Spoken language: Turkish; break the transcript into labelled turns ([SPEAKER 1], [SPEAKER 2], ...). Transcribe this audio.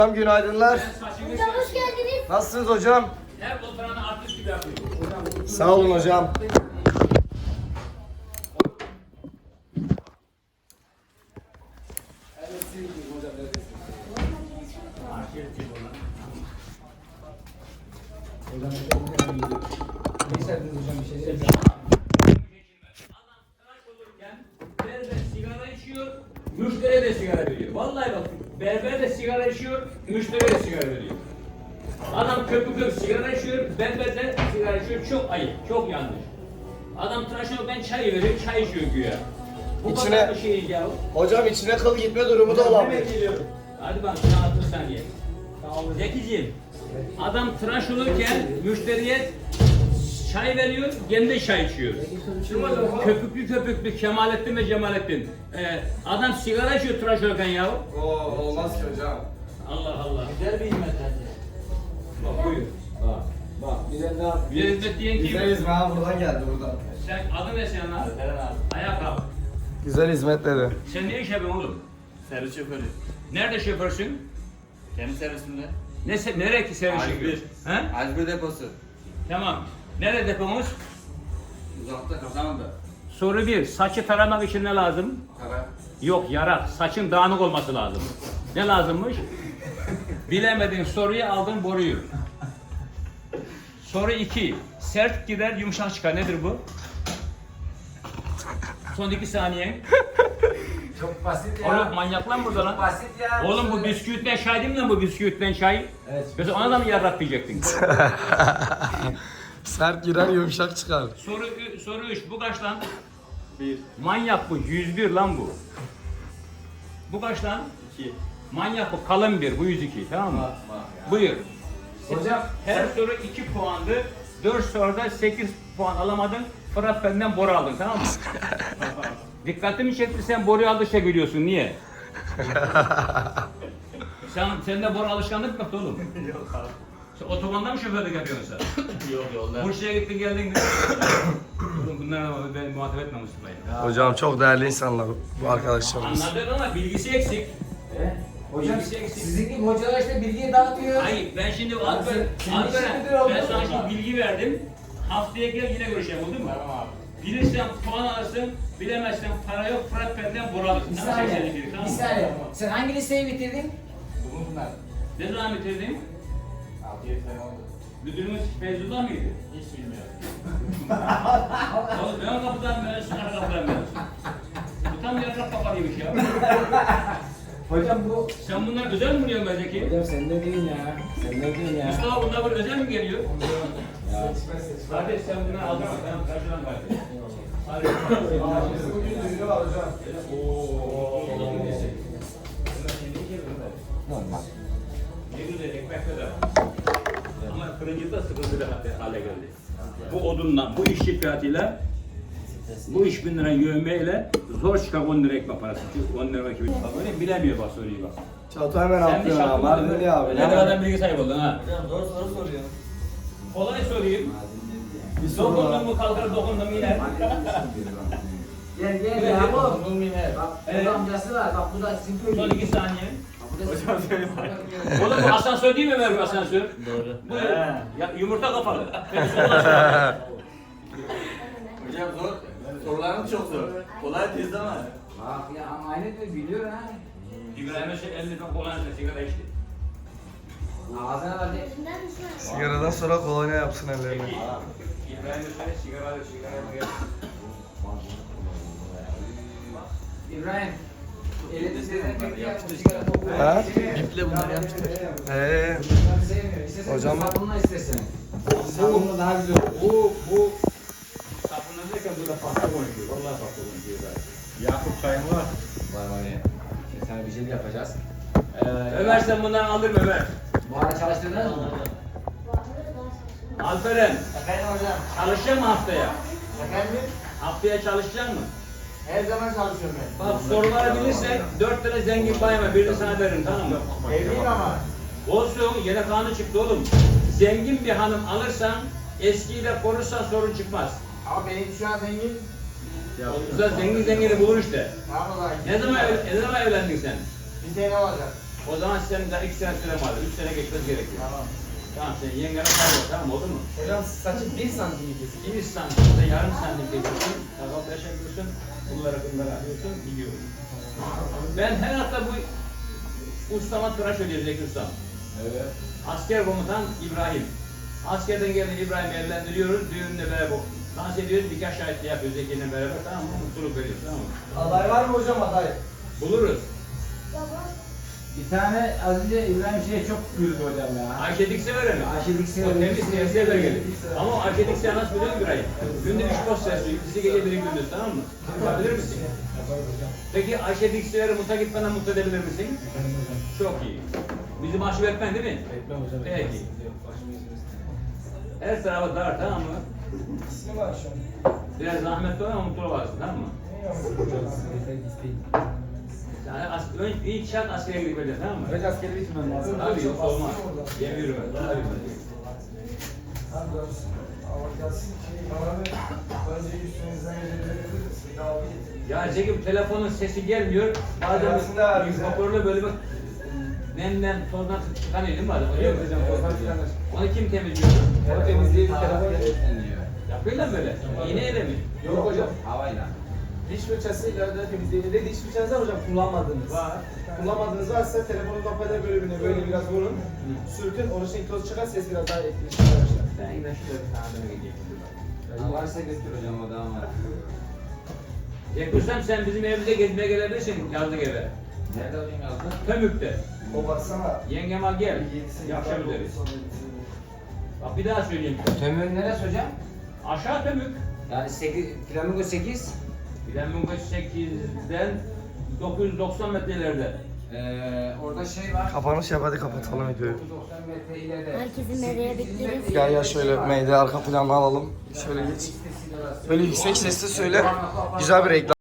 [SPEAKER 1] Hocam günaydınlar.
[SPEAKER 2] Hocam hoş geldiniz.
[SPEAKER 1] Nasılsınız hocam?
[SPEAKER 3] Her oturanı artist gibi yapıyor.
[SPEAKER 1] Sağ olun hocam.
[SPEAKER 3] Berber sigara içiyor, müşteriye de sigara veriyor. Vallahi bak, berber de sigara içiyor, müşteriye de sigara veriyor. Adam köpük sigara içiyor, berber de sigara içiyor. Çok ayıp, çok yanlış. Adam tıraş olup ben çay veriyor, çay içiyor güya. Bu
[SPEAKER 1] İçine-
[SPEAKER 3] kadar bir şey ya.
[SPEAKER 1] Hocam içine kıl gitme durumu da olabilir.
[SPEAKER 3] Hadi bak, sana 60 saniye. Zekiciğim, adam tıraş olurken müşteriye çay veriyor, kendi çay içiyor. Köpüklü köpüklü Kemalettin ve Cemalettin. Adam sigara içiyor tıraş olurken ya.
[SPEAKER 1] Olmaz ki hocam.
[SPEAKER 3] Allah Allah.
[SPEAKER 4] Güzel bir hizmet bence.
[SPEAKER 3] Bak buyur.
[SPEAKER 4] Bak bir de ne yap?
[SPEAKER 3] Bir hizmet diyen kim?
[SPEAKER 1] Güzel hizmet ha buradan geldi buradan.
[SPEAKER 3] Sen adın ne senin abi?
[SPEAKER 4] Eren abi.
[SPEAKER 3] Ayağa kalk.
[SPEAKER 1] Güzel hizmet dedi.
[SPEAKER 3] Sen ne iş yapıyorsun oğlum?
[SPEAKER 4] Servis şoförü.
[SPEAKER 3] Nerede şoförsün?
[SPEAKER 4] Kendi servisimde.
[SPEAKER 3] Nereye ki servis
[SPEAKER 4] A101.
[SPEAKER 3] yapıyorsun? He?
[SPEAKER 4] A101 deposu.
[SPEAKER 3] Tamam. Nerede depomuz?
[SPEAKER 4] Uzakta kazanında.
[SPEAKER 3] Soru 1. Saçı taramak için ne lazım?
[SPEAKER 4] Kara.
[SPEAKER 3] Yok yarak. Saçın dağınık olması lazım. Ne lazımmış? Bilemediğin soruyu aldın boruyu. Soru 2. Sert gider yumuşak çıkar. Nedir bu? Son 2 saniye.
[SPEAKER 4] Çok basit ya.
[SPEAKER 3] Oğlum manyak lan burada lan.
[SPEAKER 4] Basit ya.
[SPEAKER 3] Oğlum bu bisküvitten çay değil mi lan bu bisküvitten çay?
[SPEAKER 4] Evet.
[SPEAKER 3] Mesela ona da mı yarrak diyecektin?
[SPEAKER 1] Sert girer yumuşak çıkar.
[SPEAKER 3] Soru 3. Bu kaç lan?
[SPEAKER 4] 1,
[SPEAKER 3] Manyak bu. 101 lan bu. Bu kaç lan?
[SPEAKER 4] 2.
[SPEAKER 3] Manyak bu. Kalın bir. Bu 102. Tamam mı? Buyur.
[SPEAKER 4] Hocam.
[SPEAKER 3] Her soru 2 puandı. 4 soruda 8 puan alamadın. Fırat benden boru aldın, tamam mı? Dikkatimi çekti, sen boruyu aldıkça gülüyorsun. Niye? Sende boru alışkanlık mı oğlum?
[SPEAKER 4] Yok abi.
[SPEAKER 3] Sen otobanda mı şoförlük yapıyorsun sen?
[SPEAKER 4] Yok yolda.
[SPEAKER 3] Bursa'ya gittin geldin. Oğlum bunlarla ben muhatap etme Mustafa'yı.
[SPEAKER 1] Hocam çok değerli insanlar bu arkadaşlarımız.
[SPEAKER 3] Anladık ama bilgisi eksik.
[SPEAKER 5] Hocam
[SPEAKER 3] Bilgisi eksik.
[SPEAKER 5] sizin gibi hocalar işte bilgiyi dağıtıyor.
[SPEAKER 3] Hayır, ben şimdi
[SPEAKER 5] Sen
[SPEAKER 3] Alperen,
[SPEAKER 5] işin müdürü
[SPEAKER 3] ben
[SPEAKER 5] oldun.
[SPEAKER 3] sana şimdi bilgi verdim. Haftaya gel yine görüşelim, oldu mu?
[SPEAKER 4] Tamam abi.
[SPEAKER 3] Bilirsen puan alırsın, bilemezsen para yok, Fırat benden boru alırsın.
[SPEAKER 5] Bir
[SPEAKER 3] Sana
[SPEAKER 5] saniye,
[SPEAKER 3] 81, tamam
[SPEAKER 5] bir
[SPEAKER 3] mı?
[SPEAKER 5] saniye. Sen hangi liseyi bitirdin?
[SPEAKER 4] Bunlar.
[SPEAKER 3] Ne zaman bitirdin?
[SPEAKER 4] 6-7 sene oldu.
[SPEAKER 3] Müdürümüz Feyzullah mıydı?
[SPEAKER 4] Hiç bilmiyorum.
[SPEAKER 3] Oğlum ön kapıdan mühendisin, arka kapıdan mühendisin. Bu tam yarrak kafalıymış ya.
[SPEAKER 5] Hocam bu...
[SPEAKER 3] Sen bunlar özel mi buluyorsun be Zeki?
[SPEAKER 5] Hocam sen ne diyorsun ya? Sen ne diyorsun ya?
[SPEAKER 3] Mustafa bunlar böyle özel mi geliyor?
[SPEAKER 5] Ya.
[SPEAKER 3] Kardeş sen bunları aldın mı? Ben karşıdan kardeş. Hadi.
[SPEAKER 5] Normal.
[SPEAKER 3] Ne güzel ekmekte de. Ama fırıncıda sıkıntılı hale geldi. Bu odunla, bu iş fiyatıyla, bu iş 1000 lira yövmeyle zor çıkar 10 lira ekmek parası. 10 lira gibi. Bak öyle bilemiyor bak soruyu bak.
[SPEAKER 1] Çatı hemen
[SPEAKER 3] Sen bir
[SPEAKER 1] atlıyor ha. Mardinli abi.
[SPEAKER 3] Ne kadar bilgi sahibi oldun ha.
[SPEAKER 4] Hocam doğru soru soruyor.
[SPEAKER 3] Kolay sorayım.
[SPEAKER 1] Bir soru
[SPEAKER 3] Dokundun
[SPEAKER 1] var.
[SPEAKER 3] mu kalkar dokundun mu iner.
[SPEAKER 5] Gel gel ya bu.
[SPEAKER 4] Bunun yine.
[SPEAKER 5] Bak
[SPEAKER 3] Evet.
[SPEAKER 5] burada amcası var. Bak bu da sizin köyü.
[SPEAKER 3] Son 2 saniye.
[SPEAKER 4] Hocam söyle bak.
[SPEAKER 3] Oğlum bu asansör değil mi Ömer bu asansör?
[SPEAKER 4] Doğru.
[SPEAKER 3] Bu
[SPEAKER 4] He.
[SPEAKER 3] ya, yumurta kafalı. Beni sol aşağı.
[SPEAKER 4] Hocam zor. Sorularınız çok zor. Kolay değil ama.
[SPEAKER 5] Bak ya ama aynı diyor biliyor ha.
[SPEAKER 3] İbrahim'e şey 50 ton kolanla sigara içti.
[SPEAKER 5] Ağzına var de.
[SPEAKER 2] Elinden düşmez.
[SPEAKER 1] Sigaradan sonra kolonya yapsın ellerine.
[SPEAKER 3] Peki, İbrahim'e söyle sigara alır, sigara alır.
[SPEAKER 5] İbrahim. Elinde senin peki yapma sigara kokuyor.
[SPEAKER 1] Ha?
[SPEAKER 4] İple bunları yapmışlar.
[SPEAKER 5] Bunları sevmiyor. İstersen
[SPEAKER 1] Hocam-
[SPEAKER 5] sabunla istersen. Sabunla daha güzel olur.
[SPEAKER 3] Bu sapını derken burada pasta konuşuyor. Vallahi pasta konuşuyor zaten.
[SPEAKER 4] Yakup çayım var.
[SPEAKER 5] Var var ya. Şimdi sana bir şey yapacağız.
[SPEAKER 3] Ömer sen bundan alır mı Ömer?
[SPEAKER 5] Bu ara çalıştırdınız mı?
[SPEAKER 3] Alperen,
[SPEAKER 4] Efendim hocam.
[SPEAKER 3] çalışacak mı haftaya?
[SPEAKER 4] Efendim?
[SPEAKER 3] Haftaya çalışacak mı?
[SPEAKER 4] Her zaman çalışıyorum ben.
[SPEAKER 3] Bak soruları bilirsen 4 tane zengin bayma birini sana veririm, tamam mı?
[SPEAKER 4] Evliyim ama.
[SPEAKER 3] Olsun, yine kanun çıktı oğlum. Zengin bir hanım alırsan, eskiyle konuşsan sorun çıkmaz.
[SPEAKER 4] Ama benim şu an zengin.
[SPEAKER 3] Güzel zengini bulur işte.
[SPEAKER 4] Tamam o zaman.
[SPEAKER 3] Ne zaman evlendin sen?
[SPEAKER 4] Bir sene olacak.
[SPEAKER 3] O zaman senin daha 2 sene süren vardı. 3 sene geçmesi gerekiyor.
[SPEAKER 5] Tamam.
[SPEAKER 3] Tamam sen yengene kaybol, tamam oldu mu?
[SPEAKER 5] Hocam saçı 1 santim kesin.
[SPEAKER 3] 1 santimde yarım santim kesiyorsun. Sakal tıraş yapıyorsun. Bunları alıyorsun. Gidiyoruz. Ben her hafta bu ustama tıraş ödüyorum Zeki Ustam.
[SPEAKER 5] Evet.
[SPEAKER 3] Asker komutan İbrahim. Askerden gelen İbrahim'i evlendiriyoruz. Düğünle beraber dans ediyoruz. Nikah şahitliği yapıyoruz Zeki'yle beraber. Tamam mı? Mutluluk veriyoruz. Tamam mı?
[SPEAKER 1] Aday var mı hocam aday?
[SPEAKER 3] Buluruz.
[SPEAKER 5] Bir tane az önce İbrahim şeye çok güldü hocam ya.
[SPEAKER 3] Ayşe Dikse verir mi?
[SPEAKER 5] Ayşe Dikse
[SPEAKER 3] O
[SPEAKER 5] verir.
[SPEAKER 3] temiz temizliğe de gelir. Ama o Ayşe Dikse nasıl biliyor musun İbrahim? Günde 3 post sersiyor. İkisi gece biri gündüz, tamam mı? Yapabilir misin?
[SPEAKER 5] Yaparız hocam.
[SPEAKER 3] Peki Ayşe Dikse'leri muta gitmeden mutlu edebilir misin?
[SPEAKER 5] Efendim hocam.
[SPEAKER 3] Çok iyi. Bizi mahcup etmen değil mi?
[SPEAKER 5] Etmem hocam.
[SPEAKER 3] Peki.
[SPEAKER 5] Yok, başımı yüzümüz.
[SPEAKER 3] Her tarafa dar, tamam mı?
[SPEAKER 1] İsmi var şu an.
[SPEAKER 3] Biraz zahmetli ol ama mutlu olasın, tamam mı?
[SPEAKER 5] Hocam yeter isteyin.
[SPEAKER 3] Yani ilk şart askere gidip edeceksin, tamam mı?
[SPEAKER 5] Önce askeri bitirmem lazım.
[SPEAKER 3] Tabii yok olmaz. Yem yürüme. Tabii. Ya Zeki telefonun sesi gelmiyor. Bazen
[SPEAKER 1] Arasında
[SPEAKER 3] bir
[SPEAKER 1] güzel.
[SPEAKER 3] hoparlörle böyle bak nemden tozdan çıkanıyor değil mi bazen? Oluyor mu?
[SPEAKER 5] Hocam tozdan çıkanır.
[SPEAKER 3] Onu kim temizliyor?
[SPEAKER 5] O temizliği bir telefon
[SPEAKER 3] Yapıyorlar mı böyle? İğneyle mi?
[SPEAKER 5] Yok hocam. Havayla. Diş fırçasıyla da temizleyebilir. De diş fırçası var hocam kullanmadığınız.
[SPEAKER 3] Var.
[SPEAKER 5] Kullanmadığınız varsa telefonun hoparlör bölümüne böyle biraz vurun. Sürtün, orijinal toz çıkar, ses biraz daha etkileşir arkadaşlar.
[SPEAKER 3] Ben yine şurada bir tane gideyim.
[SPEAKER 5] Varsa götür hocam o da var.
[SPEAKER 3] Yakırsam sen bizim evimize gezmeye gelebilirsin yazlık eve.
[SPEAKER 5] Nerede hocam yazdı?
[SPEAKER 3] Tömük'te.
[SPEAKER 1] O baksana.
[SPEAKER 3] Yengem al gel. Akşam üzeri. Bak bir daha söyleyeyim.
[SPEAKER 5] Tömürün neresi hocam?
[SPEAKER 3] Aşağı Tömük.
[SPEAKER 5] Yani 8, Flamingo 8.
[SPEAKER 3] Flamingo 8'den 990 metre ileride.
[SPEAKER 5] Orada şey var.
[SPEAKER 1] Kapanış yap hadi kapatalım videoyu.
[SPEAKER 5] 990 metre ileride.
[SPEAKER 2] Herkesin nereye bekleriz?
[SPEAKER 1] Gel ya şöyle meyde arka planını alalım. Şöyle geç. Böyle yüksek sesle söyle. Güzel bir reklam.